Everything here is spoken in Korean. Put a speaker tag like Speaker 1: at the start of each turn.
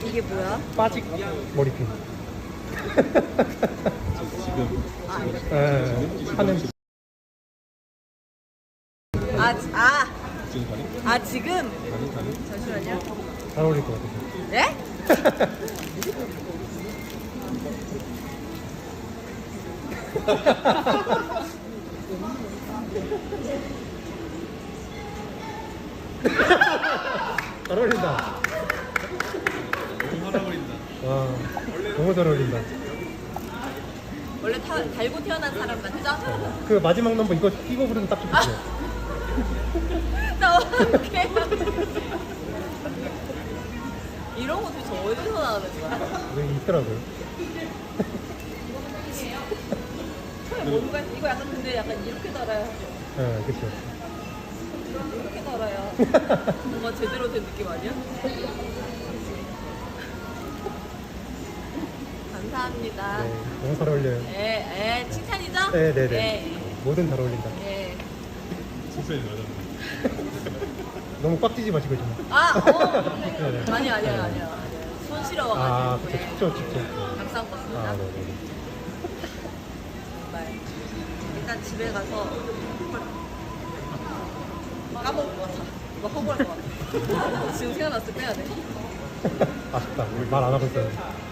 Speaker 1: 이게 뭐야?
Speaker 2: 빠직 머리핀.
Speaker 3: 지금
Speaker 2: 하는
Speaker 3: 지금 가능?
Speaker 1: 지금?
Speaker 3: 가능?
Speaker 1: 잠시만요.
Speaker 2: 잘 어울릴 것 같아요.
Speaker 1: 네?
Speaker 2: 잘 어울린다.
Speaker 3: 너무 살아버린다.
Speaker 2: 와, 너무 잘 어울린다.
Speaker 1: 원래 달고 태어난 사람 맞죠?
Speaker 2: 그 마지막 넘버 이거 끼고 부르면 딱 좋겠어요.
Speaker 1: 나 어떡해. 이런 거 도대체 어디서 나오는 거야?
Speaker 2: 여기 있더라고요.
Speaker 1: 처음에 뭔가 이거 약간 근데 약간 이렇게 달아야
Speaker 2: 네, 그렇죠.
Speaker 1: 이렇게 달아야 뭔가 제대로 된 느낌 아니야? 감사합니다.
Speaker 2: 네, 너무 잘 어울려요.
Speaker 1: 칭찬이죠?
Speaker 2: 네네네. 뭐든 잘 어울린다.
Speaker 1: 예.
Speaker 3: 칭찬이 맞았네.
Speaker 2: 너무 꽉 찌지 마시고 좀. 네네.
Speaker 1: 아니야. 손 시려워가지고.
Speaker 2: 그쵸, 춥죠.
Speaker 1: 감사한 것 같습니다.
Speaker 2: 네네.
Speaker 1: 정말. 일단 집에 가서 까먹을 것 같아. 이거 허구할 것 같아. 지금 생각났을 때 빼야 돼.
Speaker 2: 아쉽다. 말 안 하고 있었는데.